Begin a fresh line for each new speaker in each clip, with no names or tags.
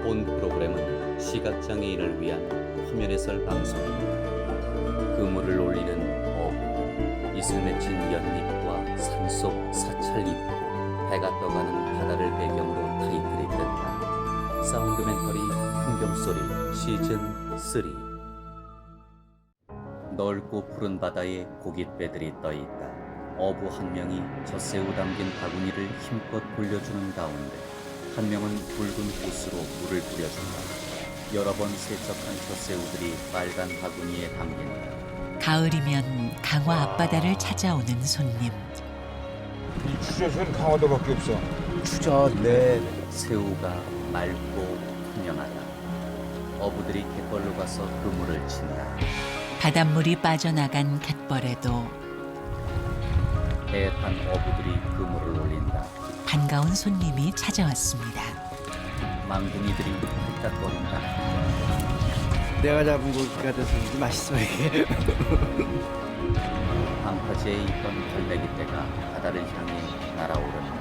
본 프로그램은 시각장애인을 위한 화면 해설 방송입니다. 그물을 올리는 어부, 이슬 맺힌 연잎과 산속 사찰 입구, 배가 떠가는 바다를 배경으로 타이틀이 뜬다. 사운드멘터리 풍경소리 시즌 3. 넓고 푸른 바다에 고깃배들이 떠있다. 어부 한 명이 젖새우 담긴 바구니를 힘껏 돌려주는 가운데 한 명은 붉은 호스로 물을 뿌려준다. 여러 번 세척한 젖새우들이 빨간 바구니에 담긴다.
가을이면 강화 앞바다를 찾아오는 손님.
이 추젓은 강화도밖에 없어.
추젓, 네.
새우가 맑고 투명하다. 어부들이 갯벌로 가서 그물을 친다.
바닷물이 빠져나간 갯벌에도
배에 탄 어부들이 그물을 올린다.
반가운 손님이 찾아왔습니다.
망둥이들이 뚝딱거린다.
내가 잡은 고기가 돼서 그런지 맛있어 이게.
방파제에 있던 갈매기떼가 바다를 향해 날아오른다.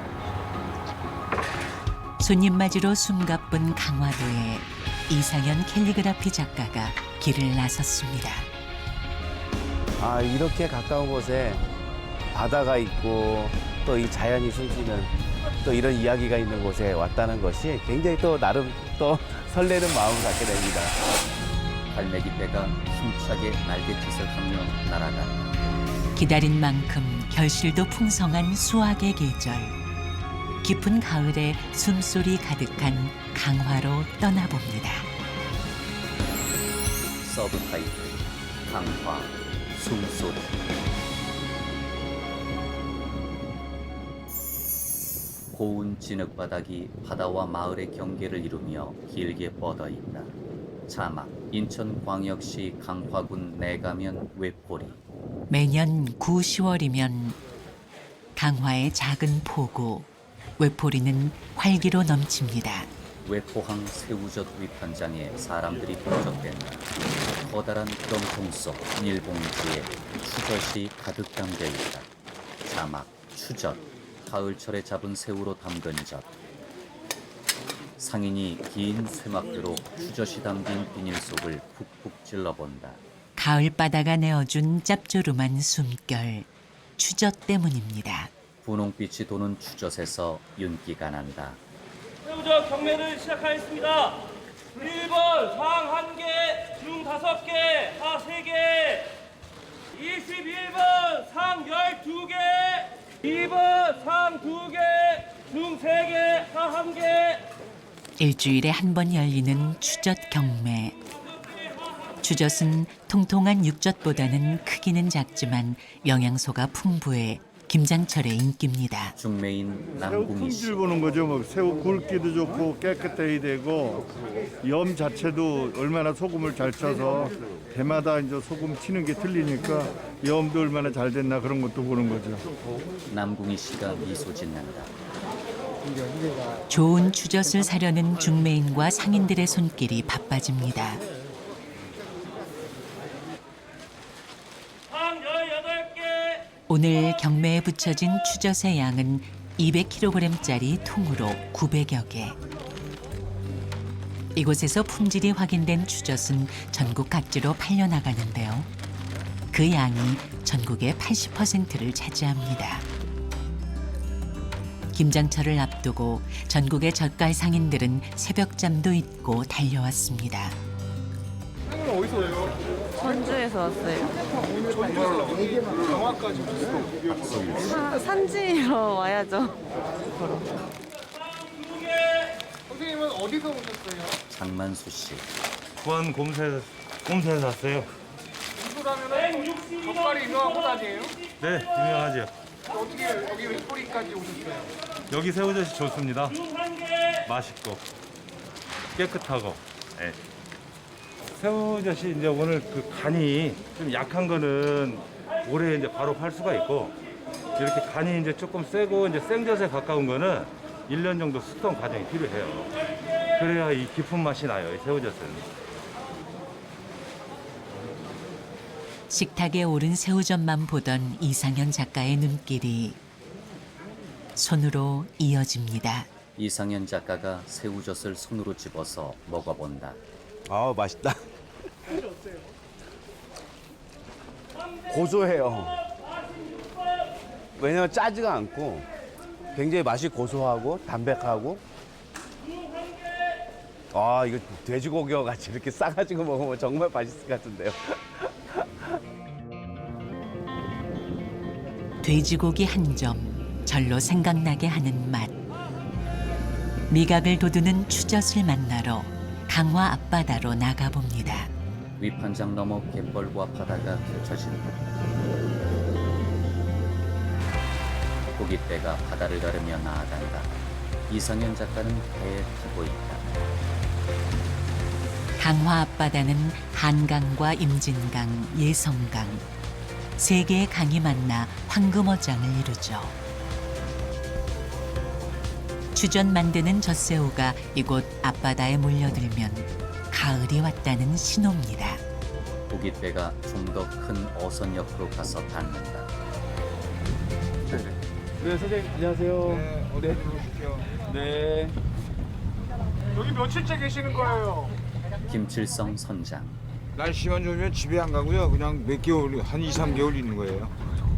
손님 맞으러 숨가쁜 강화도에 이상현 캘리그라피 작가가 길을 나섰습니다.
아, 이렇게 가까운 곳에 바다가 있고 또 이 자연이 숨쉬는 또 이런 이야기가 있는 곳에 왔다는 것이 굉장히 또 나름 또 설레는 마음을 갖게 됩니다.
갈매기떼가 힘차게 날갯짓을 하며 날아간다.
기다린 만큼 결실도 풍성한 수확의 계절. 깊은 가을에 숨소리 가득한 강화로 떠나봅니다.
서브타이틀 강화 숨소리. 고운 진흙바닥이 바다와 마을의 경계를 이루며 길게 뻗어 있다. 자막 인천광역시 강화군 내가면 외포리.
매년 9, 10월이면 강화의 작은 포구, 외포리는 활기로 넘칩니다.
외포항 새우젓 위판장에 사람들이 북적댄다. 커다란 드럼통 속 비닐봉지에 추젓이 가득 담겨 있다. 자막 추젓, 가을철에 잡은 새우로 담근 젓. 상인이 긴 쇠막대로 추젓이 담긴 비닐 속을 푹푹 찔러본다.
가을 바다가 내어준 짭조름한 숨결, 추젓 때문입니다.
분홍빛이 도는 추젓에서 윤기가 난다.
새우젓 경매를 시작하겠습니다. 1번 상 1개, 중 5개, 하 3개. 21번 상 12개, 2번 상 2개, 중 3개, 하 1개.
일주일에 한 번 열리는 추젓 경매. 추젓은 통통한 육젓보다는 크기는 작지만 영양소가 풍부해 김장철의 인기입니다.
중매인
새우
남궁희 씨.
품질 보는 거죠. 뭐 새우 굵기도 좋고 깨끗해야 되고 염 자체도 얼마나 소금을 잘 쳐서 배마다 이제 소금 치는 게 틀리니까 염도 얼마나 잘 됐나 그런 것도 보는 거죠.
남궁희 씨가 미소 짓는다.
좋은 추젓을 사려는 중매인과 상인들의 손길이 바빠집니다.
상 18개.
오늘 경매에 붙여진 추젓의 양은 200kg짜리 통으로 900여 개. 이곳에서 품질이 확인된 추젓은 전국 각지로 팔려나가는데요. 그 양이 전국의 80%를 차지합니다. 김장철을 앞두고 전국의 젓갈 상인들은 새벽잠도 잊고 달려왔습니다.
전주에서 왔어요. 산지로 와야죠.
장만수 씨.
부안 곰새에서 왔어요.
젓갈이 유명한 곳 아니에요?
네, 유명하죠.
어떻게 여기 외포리까지 오셨어요?
여기 새우젓이 좋습니다.
중 1개.
맛있고 깨끗하고. 네. 새우젓이 이제 오늘 그 간이 좀 약한 거는 오래 이제 바로 팔 수가 있고 이렇게 간이 이제 조금 세고 이제 생젓에 가까운 거는 1년 정도 숙성 과정이 필요해요. 그래야 이 깊은 맛이 나요, 이 새우젓은.
식탁에 오른 새우젓만 보던 이상현 작가의 눈길이 손으로 이어집니다.
이상현 작가가 새우젓을 손으로 집어서 먹어본다.
아 맛있다. 고소해요. 왜냐면 짜지가 않고 굉장히 맛이 고소하고 담백하고. 아 이거 돼지고기와 같이 이렇게 싸가지고 먹으면 정말 맛있을 것 같은데요.
돼지고기 한 점 절로 생각나게 하는 맛. 미각을 돋우는 추젓을 만나러 강화 앞바다로 나가봅니다.
위판장 너머 갯벌과 바다가 펼쳐진다. 고깃배가 바다를 가르며 나아간다. 이상현 작가는 배에 타고 있다.
강화 앞바다는 한강과 임진강, 예성강 세 개의 강이 만나 황금어장을 이루죠. 추젓 만드는 젖새우가 이곳 앞바다에 몰려들면 가을이 왔다는 신호입니다.
고깃배가 좀 더 큰 어선 옆으로 가서 닿는다.
네 선생님 안녕하세요.
네, 어디 들어오십시오.
네.
여기 며칠째 계시는 거예요?
김칠성 선장.
날씨만 좋으면 집에 안 가고요. 그냥 몇 개월, 한 2, 3개월 있는 거예요.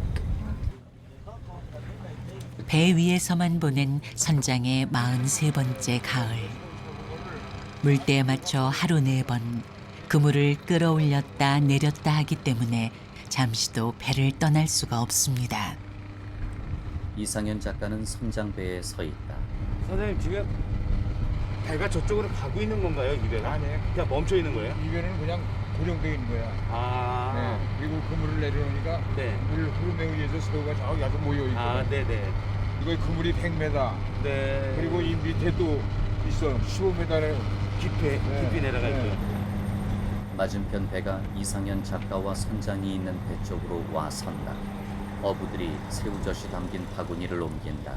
배 위에서만 보낸 선장의 43번째 가을. 물때에 맞춰 하루 4번 그물을 끌어올렸다 내렸다 하기 때문에 잠시도 배를 떠날 수가 없습니다.
이상현 작가는 선장배에 서 있다.
선생님 지금 배가 저쪽으로 가고 있는 건가요? 이 배가?
아니에요.
그냥 멈춰 있는 거예요?
이변은 그냥 고정되어 있는 거야.
아.
네. 그리고 그물을 내려놓으니까
네.
물 흐름에 의해서 새우가 저기 아주 모여 있고.
아, 네네.
이거 그물이 100m.
네.
그리고 이 밑에 또 있어. 15m를
깊이 내려갈 때.
맞은편 배가 이상현 작가와 선장이 있는 배 쪽으로 와 선다. 어부들이 새우젓이 담긴 바구니를 옮긴다.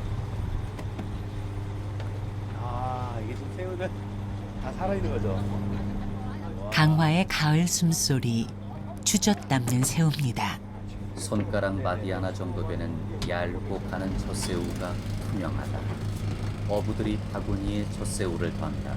아, 이게 지금 새우는 다 살아있는 거죠?
강화의 가을 숨소리, 추젓 담는 새우입니다.
손가락 마디 하나 정도 되는 얇고 가는 젖새우가 투명하다. 어부들이 바구니에 젖새우를 던다.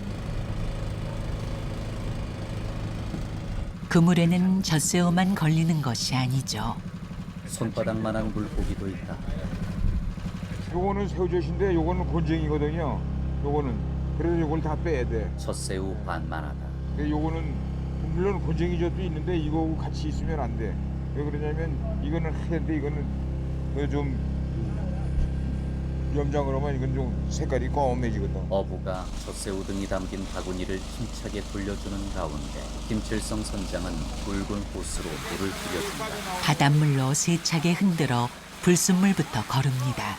그물에는 젖새우만 걸리는 것이 아니죠.
손바닥만한 물고기도 있다.
요거는 새우젓인데 요거는 곤쟁이거든요. 요거는. 그래서 요걸 다 빼야 돼.
젖새우 반만하다.
근데 요거는 물론 곤쟁이젓도 있는데 이거하고 같이 있으면 안 돼. 왜 그러냐면 이거는 하얀데 이거는 그좀 염장을 하면 이건 좀 색깔이 검해지거든.
어부가 젖새우 등이 담긴 바구니를 힘차게 돌려주는 가운데 김칠성 선장은 붉은 호스로 물을 뿌려준다.
바닷물로 세차게 흔들어 불순물부터 거릅니다.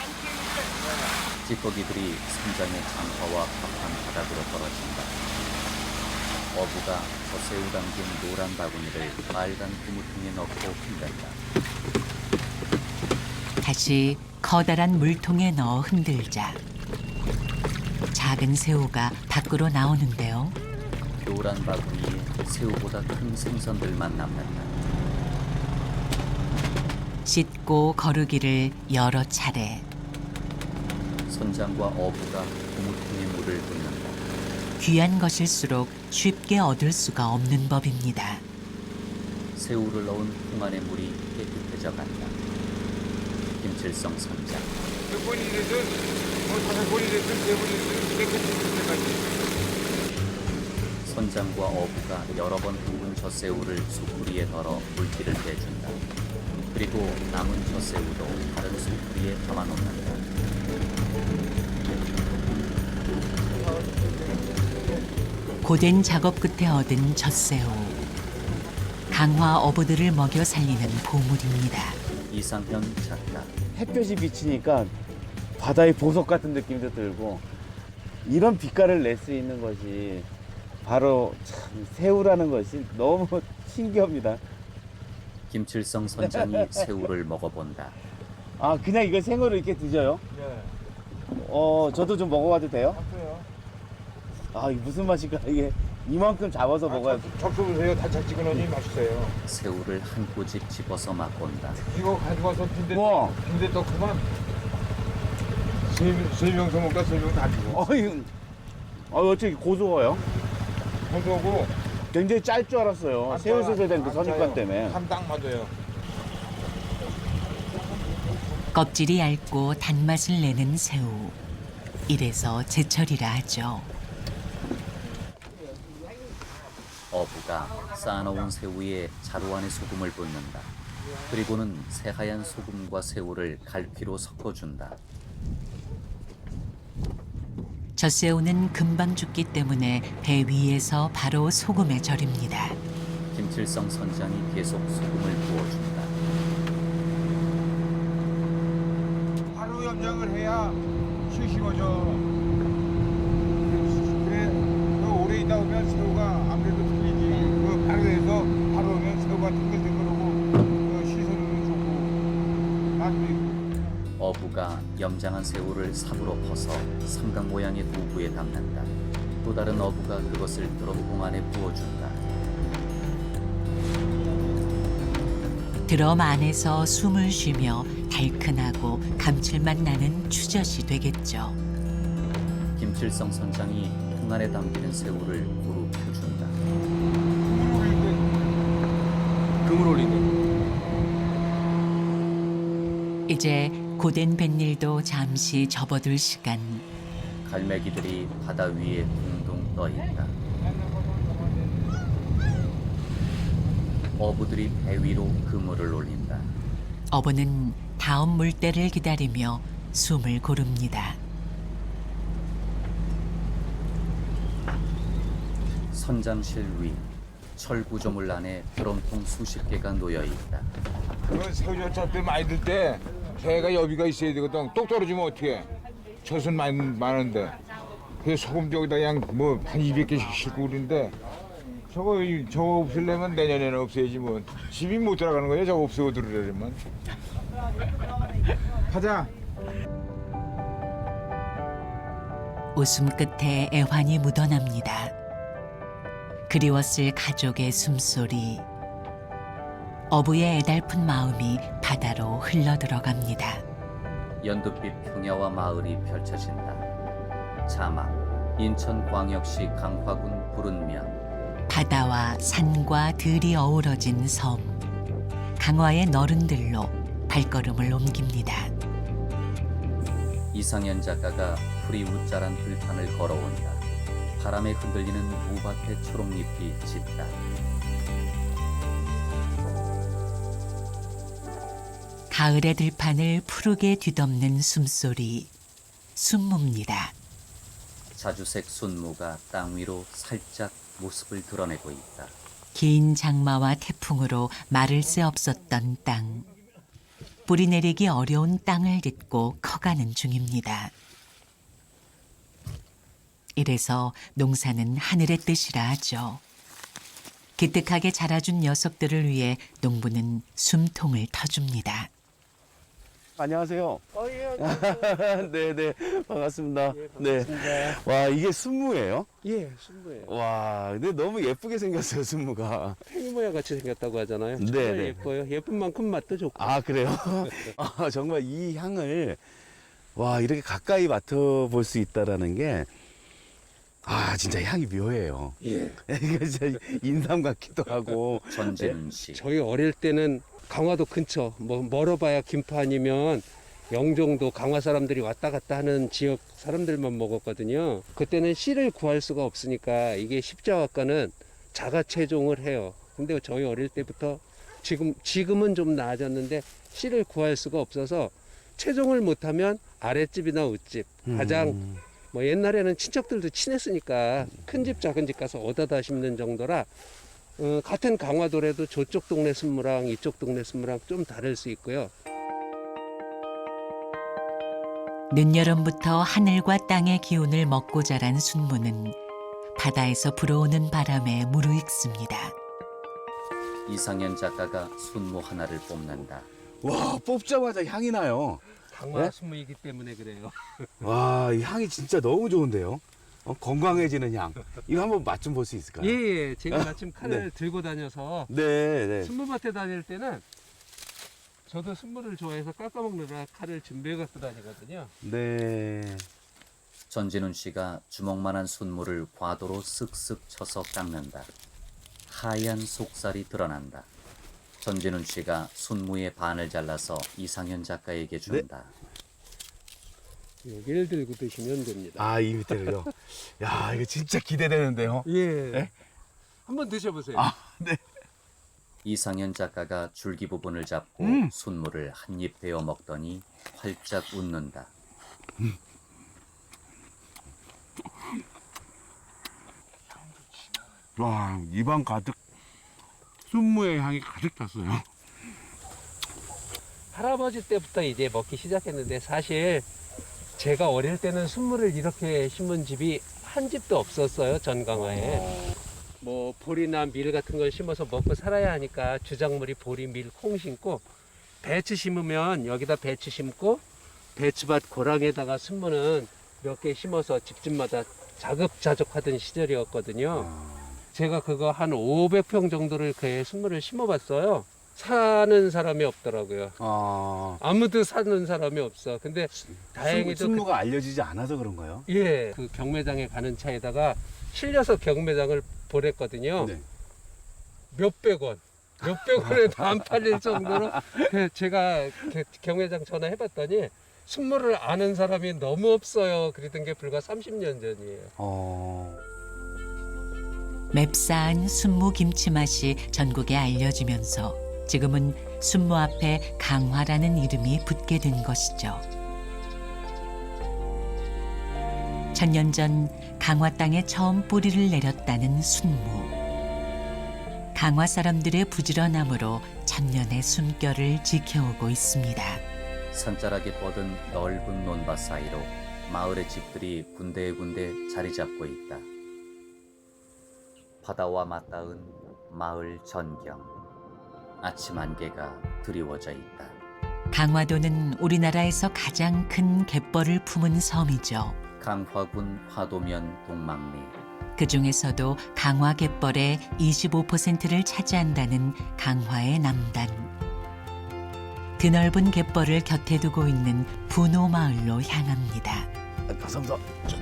찌꺼기들이 선장의 장화와 밥한 바닥으로 떨어진다. 어부가 젖새우 담긴 노란 바구니를 빨간 그물통에 넣고 흔든다.
다시 커다란 물통에 넣어 흔들자 작은 새우가 밖으로 나오는데요.
노란 바구니에 새우보다 큰 생선들만 남는다.
씻고 거르기를 여러 차례.
선장과 어부가 그물통에 물을 붓는다.
귀한 것일수록 쉽게 얻을 수가 없는 법입니다.
새우를 넣은 통 안의 물이 깨끗해져 간다. 김칠성 선장.
몇 번이 됐든 뭐 5번이 됐든 3번이 됐든 깨끗해질 때까지.
선장과 어부가 여러 번 헹군 젖새우를 숯불위에 덜어 물기를 빼준다. 그리고 남은 젖새우도 다른 숯불위에 담아놓는다.
고된 작업 끝에 얻은 젖새우. 강화 어부들을 먹여 살리는 보물입니다.
이상현 작가.
햇볕이 비치니까 바다의 보석 같은 느낌도 들고 이런 빛깔을 낼 수 있는 것이 바로 참 새우라는 것이 너무 신기합니다.
김칠성 선장이 새우를 먹어본다.
아 그냥 이거 생으로 이렇게 드셔요?
네.
저도 좀 먹어봐도 돼요?
맞아요.
아 이게 무슨 맛일까? 이게 이만큼 잡아서 먹어야
적셔보세요. 달짝지근하니 맛있어요.
새우를 한 꼬집 집어서 맛본다.
이거 가져가서
우와.
빈대 떡 그만 세 명서 먹다 세 명 다 죽어.
어떻게 고소해요?
고소하고
굉장히 짤 줄 알았어요. 새우젓에 된 그 선입관 때문에.
딱 맞아요.
껍질이 얇고 단맛을 내는 새우. 이래서 제철이라 하죠.
어부가 쌓아놓은 새우 위에 자루 안에 소금을 붓는다. 그리고는 새하얀 소금과 새우를 갈퀴로 섞어준다.
젖새우는 금방 죽기 때문에 배 위에서 바로 소금에 절입니다.
김칠성 선장이 계속 소금을 부어준다.
하루 염장을 해야 싱싱해져. 그래, 오래 있다 보면 새우가 아무래도 틀리지. 그 바로에서 바로 오면 새우가 탱글탱글하고 시선은 좋고 맛도 있고.
어부가 염장한 새우를 삽으로 퍼서 삼각 모양의 도구에 담는다. 또 다른 어부가 그것을 드럼통 안에 부어준다.
드럼 안에서 숨을 쉬며 달큰하고 감칠맛 나는 추젓이 되겠죠.
김칠성 선장이 통 안에 담기는 새우를 고루 펴준다.
금을 올리는.
이제 고된 뱃일도 잠시 접어둘 시간.
갈매기들이 바다 위에 둥둥 떠 있다. 어부들이 배 위로 그물을 올린다.
어부는 다음 물때를 기다리며 숨을 고릅니다.
선장실 위 철구조물 안에 드럼통 수십 개가 놓여 있다.
그 새우젓 때 많이 들 때 배가 여비가 있어야 되거든. 똑 떨어지면 어떻게? 젖은 많은데. 그 소금 저기다 그냥 뭐 한 200개씩 싣고 그러는데 저거 없애려면 내년에는 없애야지 뭐. 집이 못 들어가는 거야 저거 없애고 들으려면. 가자.
웃음 끝에 애환이 묻어납니다. 그리웠을 가족의 숨소리. 어부의 애달픈 마음이 바다로 흘러들어갑니다.
연두빛 평야와 마을이 펼쳐진다. 자막 인천광역시 강화군 부른면.
바다와 산과 들이 어우러진 섬. 강화의 너른들로 발걸음을 옮깁니다.
이상현 작가가 풀이 웃자란 들판을 걸어온다. 바람에 흔들리는 무밭의 초록잎이 짙다.
가을의 들판을 푸르게 뒤덮는 숨소리. 순무입니다.
자주색 순무가 땅 위로 살짝 모습을 드러내고 있다.
긴 장마와 태풍으로 마를 새 없었던 땅. 뿌리 내리기 어려운 땅을 딛고 커가는 중입니다. 이래서 농사는 하늘의 뜻이라 하죠. 기특하게 자라준 녀석들을 위해 농부는 숨통을 터줍니다.
안녕하세요. 네네 반갑습니다. 네. 와 이게 순무예요?
예, 순무예요.
와 근데 너무 예쁘게 생겼어요 순무가.
팽이 모양 같이 생겼다고 하잖아요.
네,
정말
네.
예뻐요. 예쁜 만큼 맛도 좋고.
아 그래요? 아, 정말 이 향을 와 이렇게 가까이 맡아볼 수 있다라는 게. 아 진짜 향이 묘해요.
예.
이거 진짜 인삼 같기도 하고.
전진훈 씨.
저희 어릴 때는 강화도 근처, 뭐 멀어봐야 김포아니면 영종도 강화 사람들이 왔다 갔다 하는 지역 사람들만 먹었거든요. 그때는 씨를 구할 수가 없으니까 이게 십자화과는 자가 채종을 해요. 근데 저희 어릴 때부터 지금은 좀 나아졌는데 씨를 구할 수가 없어서 채종을 못하면 아랫집이나 윗집 가장 뭐 옛날에는 친척들도 친했으니까 큰 집 작은 집 가서 얻어다 심는 정도라 같은 강화도라도 저쪽 동네 순무랑 이쪽 동네 순무랑 좀 다를 수 있고요.
늦여름부터 하늘과 땅의 기운을 먹고 자란 순무는 바다에서 불어오는 바람에 무르익습니다.
이상현 작가가 순무 하나를 뽑는다.
와 뽑자마자 향이 나요.
강화
네?
순무이기 때문에 그래요.
와, 이 향이 진짜 너무 좋은데요? 건강해지는 향. 이거 한번 맛 좀 볼 수 있을까요?
예, 제가 마침 칼을
네.
들고 다녀서
네, 네.
순무밭에 다닐 때는 저도 순물을 좋아해서 깎아먹느라 칼을 준비해 갖고 다니거든요.
네.
전진훈 씨가 주먹만한 순물을 과도로 쓱쓱 쳐서 깎는다. 하얀 속살이 드러난다. 전진훈 씨가 순무의 반을 잘라서 이상현 작가에게 준다.
여기를 들고 드시면 됩니다.
아, 이 밑에를요. 야, 이거 진짜 기대되는데요.
예.
네?
한번 드셔보세요.
아, 네.
이상현 작가가 줄기 부분을 잡고 순무를 한 입 베어 먹더니 활짝 웃는다.
와, 입안 가득 순무의 향이 가득 찼어요.
할아버지 때부터 이제 먹기 시작했는데 사실 제가 어릴 때는 순무를 이렇게 심은 집이 한 집도 없었어요. 전강화에. 뭐 보리나 밀 같은 걸 심어서 먹고 살아야 하니까 주작물이 보리, 밀, 콩 심고 배추 심으면 여기다 배추 심고 배추밭 고랑에다가 순무는 몇 개 심어서 집집마다 자급자족하던 시절이었거든요. 제가 그거 한 500평 정도를 그의 순무를 심어봤어요. 사는 사람이 없더라고요. 아무도 사는 사람이 없어. 근데 다행히도
순무가 알려지지 않아서 그런가요?
예, 그 경매장에 가는 차에다가 실려서 경매장을 보냈거든요.
네.
몇백 원에도 안 팔릴 정도로 제가 경매장 전화해봤더니 순무를 아는 사람이 너무 없어요. 그랬던 게 불과 30년 전이에요.
맵싸한 순무 김치 맛이 전국에 알려지면서 지금은 순무 앞에 강화라는 이름이 붙게 된 것이죠. 천년 전 강화 땅에 처음 뿌리를 내렸다는 순무. 강화 사람들의 부지런함으로 천년의 숨결을 지켜오고 있습니다.
산자락에 뻗은 넓은 논밭 사이로 마을의 집들이 군데군데 자리 잡고 있다. 바다와 맞닿은 마을 전경. 아침 안개가 드리워져 있다.
강화도는 우리나라에서 가장 큰 갯벌을 품은 섬이죠.
강화군 화도면 동막리.
그 중에서도 강화 갯벌의 25%를 차지한다는 강화의 남단. 드넓은 갯벌을 곁에 두고 있는 분호 마을로 향합니다.
감사합니다.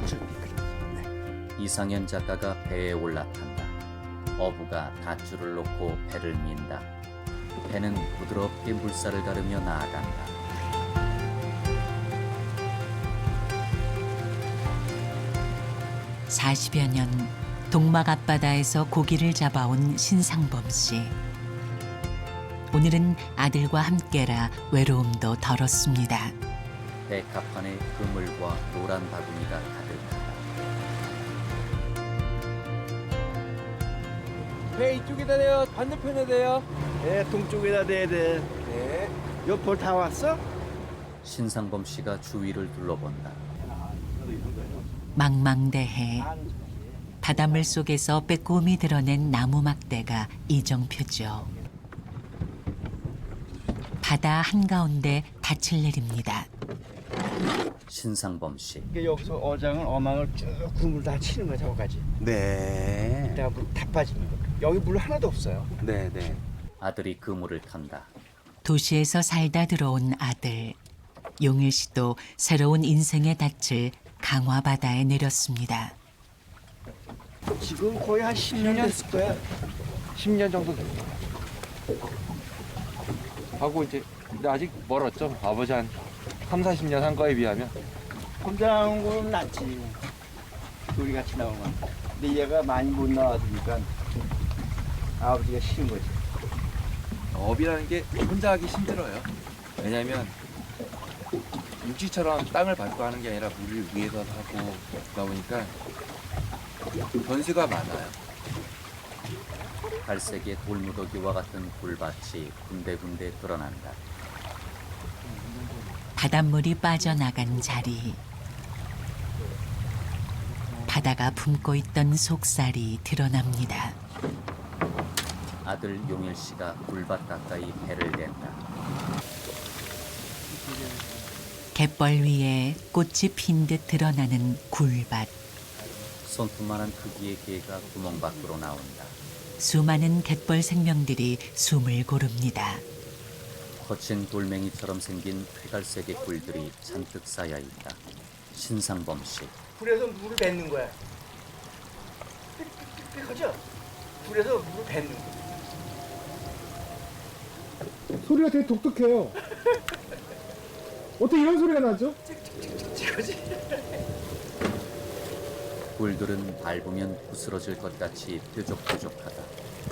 이상현 작가가 배에 올라탄다. 어부가 닷줄을 놓고 배를 민다. 배는 부드럽게 물살을 가르며 나아간다.
(40여 년) 동막 앞바다에서 고기를 잡아온 신상범 씨. 오늘은 아들과 함께라 외로움도 덜었습니다.
배 갑판에 그물과 노란 바구니가 가득하다.
배 이쪽에다 대요. 반대편에 대요.
네, 동쪽에다 대야 돼. 네. 옆볼 다 왔어?
신상범 씨가 주위를 둘러본다.
망망대해. 바닷물 속에서 빼꼼히 드러낸 나무 막대가 이정표죠. 바다 한가운데 닻을 내립니다.
신상범 씨.
여기서 어장은 어망을 쭉 그물 다 치는 거야, 저거까지.
네.
이따가 물 다 빠지는 거. 여기 물 하나도 없어요.
네, 네.
아들이 그물을 탄다.
도시에서 살다 들어온 아들. 용일 씨도 새로운 인생의 닻을 강화 바다에 내렸습니다.
지금 거의 한 10년 됐을 거야.
10년 정도 됐어요. 하고 이제 근데 아직 멀었죠. 아버지 한 3, 40년 한 거에 비하면.
혼자 나온 거는 낫지. 둘이 같이 나오면. 근데 얘가 많이 못 나와주니까 아버지가 싫은 거지.
업이라는 게 혼자 하기 힘들어요. 왜냐면 육지처럼 땅을 밟고 하는 게 아니라 물을 위에서 하고 그러다 보니까 변수가 많아요.
갈색의 돌무더기와 같은 굴밭이 군데군데 드러난다.
바닷물이 빠져나간 자리. 바다가 품고 있던 속살이 드러납니다.
아들 용일 씨가 굴밭 가까이 배를 댄다.
갯벌 위에 꽃이 핀 듯 드러나는 굴밭.
손톱만한 크기의 개가 구멍 밖으로 나온다.
수많은 갯벌 생명들이 숨을 고릅니다.
거친 돌멩이처럼 생긴 회갈색의 굴들이 잔뜩 쌓여 있다. 신상범 씨.
불에서 물을 뱉는 거야. 삑삑삑하죠? 불에서 물을 뱉는 거야.
소리가 되게 독특해요. 어떻게 이런 소리가 나죠?
굴들은 밟으면 부스러질 것 같이 뾰족뾰족하다.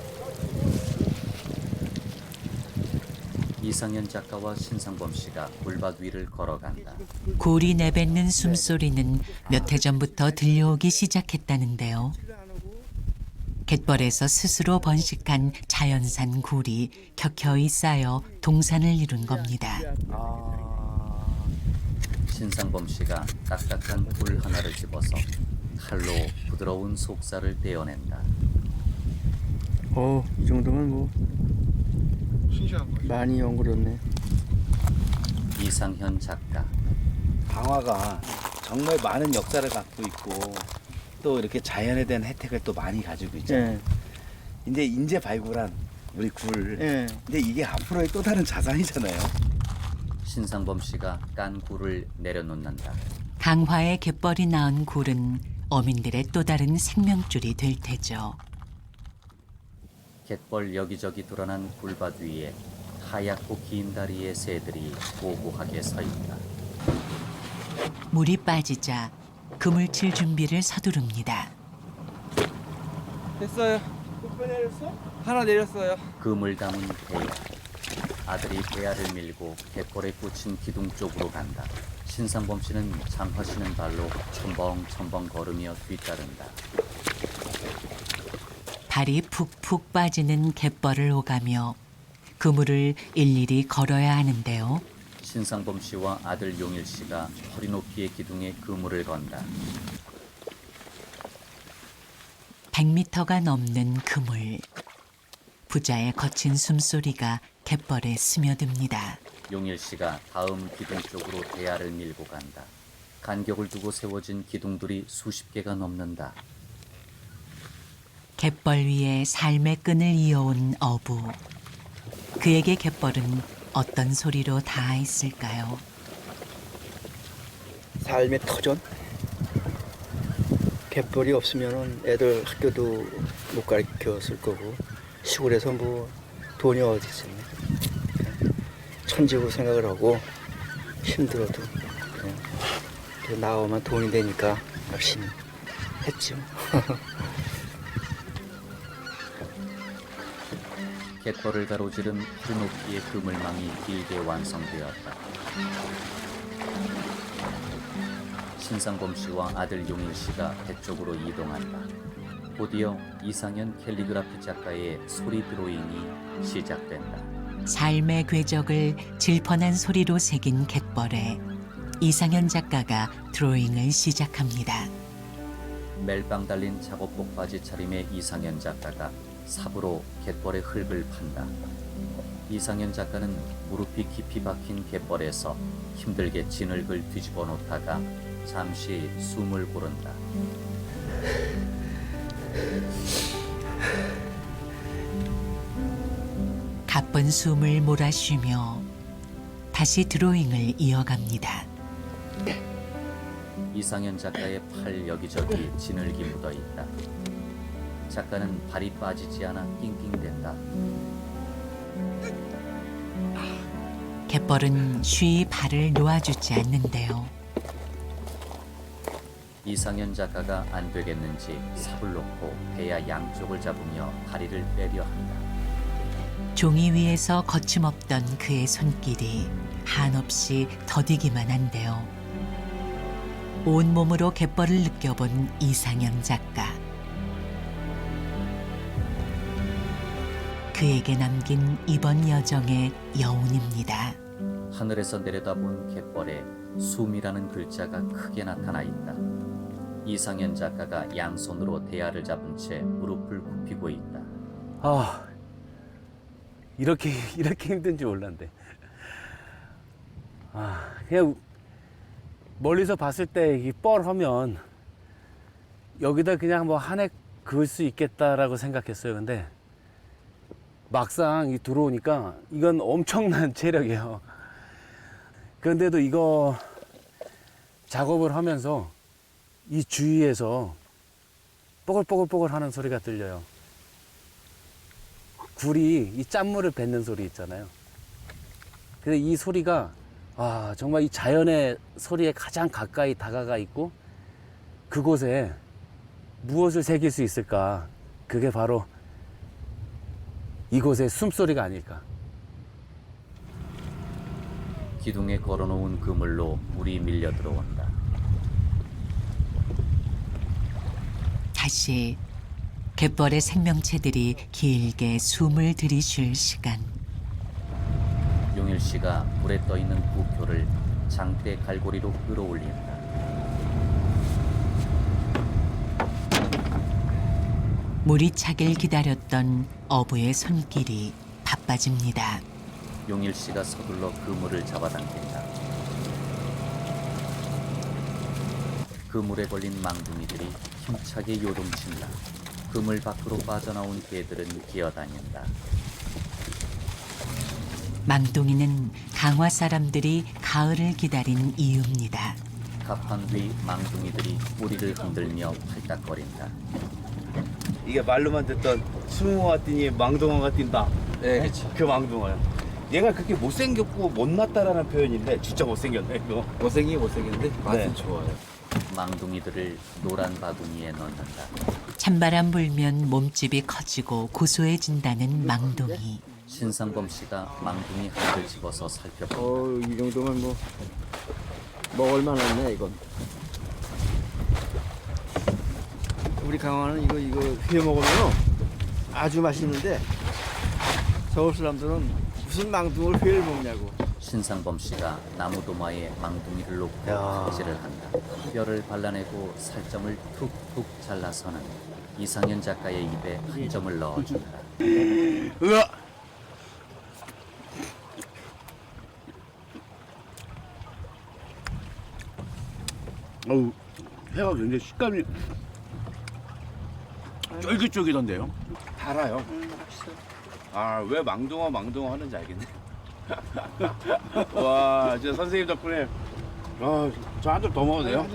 이상현 작가와 신상범 씨가 굴밭 위를 걸어간다.
굴이 내뱉는 숨소리는 몇 해 전부터 들려오기 시작했다는데요. 갯벌에서 스스로 번식한 자연산 굴이 켜켜이 쌓여 동산을 이룬 겁니다.
신상범 씨가 딱딱한 굴 하나를 집어서 칼로 부드러운 속살을 떼어낸다.
이 정도면 뭐 많이 연그렸네.
이상현 작가.
강화가 정말 많은 역사를 갖고 있고 또 이렇게 자연에 대한 혜택을 또 많이 가지고 있잖아요. 이제 인제 발굴한 우리 굴. 근데 이게 앞으로의 또 다른 자산이잖아요.
신상범 씨가 깐 굴을 내려놓는다.
강화의 갯벌이 낳은 굴은 어민들의 또 다른 생명줄이 될 테죠.
갯벌 여기저기 드러난 굴밭 위에 하얗고 긴 다리의 새들이 고고하게 서 있다.
물이 빠지자 그물 칠 준비를 서두릅니다.
됐어요. 하나 내렸어요.
그물 담은 대야. 아들이 대야를 밀고 갯벌에 꽂힌 기둥 쪽으로 간다. 신상범 씨는 장화시는 발로 첨벙첨벙 걸으며 뒤따른다.
발이 푹푹 빠지는 갯벌을 오가며 그물을 일일이 걸어야 하는데요.
신상범 씨와 아들 용일 씨가 허리 높이의 기둥에 그물을 건다.
100m가 넘는 그물. 부자의 거친 숨소리가 갯벌에 스며듭니다.
용일 씨가 다음 기둥 쪽으로 대야를 밀고 간다. 간격을 두고 세워진 기둥들이 수십 개가 넘는다.
갯벌 위에 삶의 끈을 이어온 어부. 그에게 갯벌은 어떤 소리로 닿아있을까요?
삶의 터전? 갯벌이 없으면 애들 학교도 못 가르쳤을 거고 시골에서 뭐 돈이 어디 있어요. 천직으로 생각을 하고 힘들어도 그냥 나오면 돈이 되니까 열심히 했죠.
갯벌을 가로지른 허리 높이의 그물망이 길게 완성되었다. 신상범 씨와 아들 용일 씨가 배 쪽으로 이동한다. 곧이어 이상현 캘리그라피 작가의 소리 드로잉이 시작된다.
삶의 궤적을 질펀한 소리로 새긴 갯벌에 이상현 작가가 드로잉을 시작합니다.
멜빵 달린 작업복 바지 차림의 이상현 작가가 삽으로 갯벌의 흙을 판다. 이상현 작가는 무릎이 깊이 박힌 갯벌에서 힘들게 진흙을 뒤집어 놓다가 잠시 숨을 고른다.
가쁜 숨을 몰아쉬며 다시 드로잉을 이어갑니다.
이상현 작가의 팔 여기저기 진흙이 묻어 있다. 작가는 발이 빠지지 않아 낑낑댄다.
갯벌은 쉬이 발을 놓아주지 않는데요.
이상현 작가가 안 되겠는지 삽을 놓고 배야 양쪽을 잡으며 다리를 빼려 한다.
종이 위에서 거침없던 그의 손길이 한없이 더디기만 한데요. 온몸으로 갯벌을 느껴본 이상현 작가. 그에게 남긴 이번 여정의 여운입니다.
하늘에서 내려다본 갯벌에 숨이라는 글자가 크게 나타나 있다. 이상현 작가가 양손으로 대야를 잡은 채 무릎을 굽히고 있다.
아, 이렇게 힘든 줄 몰랐는데. 그냥 멀리서 봤을 때 이 뻘하면 여기다 그냥 뭐 한 해 그을 수 있겠다라고 생각했어요. 근데 막상 들어오니까 이건 엄청난 체력이에요. 그런데도 이거 작업을 하면서 이 주위에서 뽀글뽀글뽀글 하는 소리가 들려요. 굴이 이 짠물을 뱉는 소리 있잖아요. 근데 이 소리가 정말 이 자연의 소리에 가장 가까이 다가가 있고 그곳에 무엇을 새길 수 있을까? 그게 바로 이곳의 숨소리가 아닐까.
기둥에 걸어놓은 그물로 물이 밀려 들어온다.
다시 갯벌의 생명체들이 길게 숨을 들이쉴 시간.
용일 씨가 물에 떠 있는 부표를 장대 갈고리로 끌어올린다.
물이 차길 기다렸던 어부의 손길이 바빠집니다.
용일 씨가 서둘러 그물을 잡아당긴다. 그물에 걸린 망둥이들이 힘차게 요동친다. 그물 밖으로 빠져나온 개들은 기어다닌다.
망둥이는 강화 사람들이 가을을 기다린 이유입니다.
갑판 뒤 망둥이들이 뿌리를 흔들며 팔딱거린다.
이게 말로만 듣던 수붕어가 뛰니 망둥어가 뛴다.
네, 그렇죠.
그 망둥어요. 얘가 그렇게 못생겼고 못났다라는 표현인데 진짜 못생겼네 이거.
못생겼는데 맛은
네.
좋아요.
망둥이들을 노란 바구니에 넣는다.
찬바람 불면 몸집이 커지고 고소해진다는 망둥이.
신상범 씨가 망둥이 한을 집어서 살펴본다.
이 정도면 뭐 먹을 만하네 이건. 우리 강화는 이거 회 먹으면 아주 맛있는데 서울 사람들은 무슨 망둥을 회를 먹냐고.
신상범 씨가 나무 도마에 망둥이를 놓고 칼질을 한다. 뼈를 발라내고 살점을 툭툭 잘라서는 이상현 작가의 입에 한 점을 넣어준다.
으아! 어우, 회가 굉장히 식감이 쫄깃쫄깃한데요? 달아요. 왜 망둥어 하는지 알겠네. 와, 진짜 선생님 덕분에 저 한 점 더 먹어도 돼요?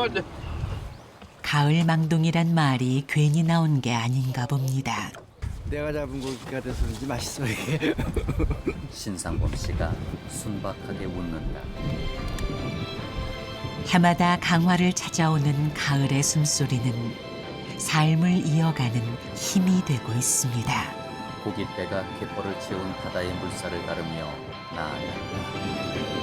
가을 망둥이란 말이 괜히 나온 게 아닌가 봅니다.
내가 잡은 고기가 돼서 그런지 맛있어 이게.
신상범 씨가 순박하게 웃는다.
해마다 강화를 찾아오는 가을의 숨소리는 삶을 이어가는 힘이 되고 있습니다.
고깃배가 갯벌을 채운 바다의 물살을 가르며 나아간다.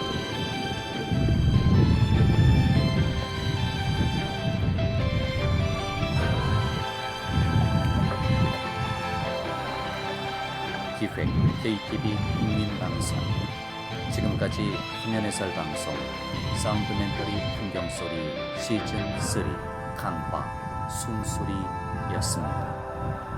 기획 KTV 국민방송. 지금까지 화면해설 방송 사운드멘터리 풍경소리 시즌3 강화 숨소리였습니다.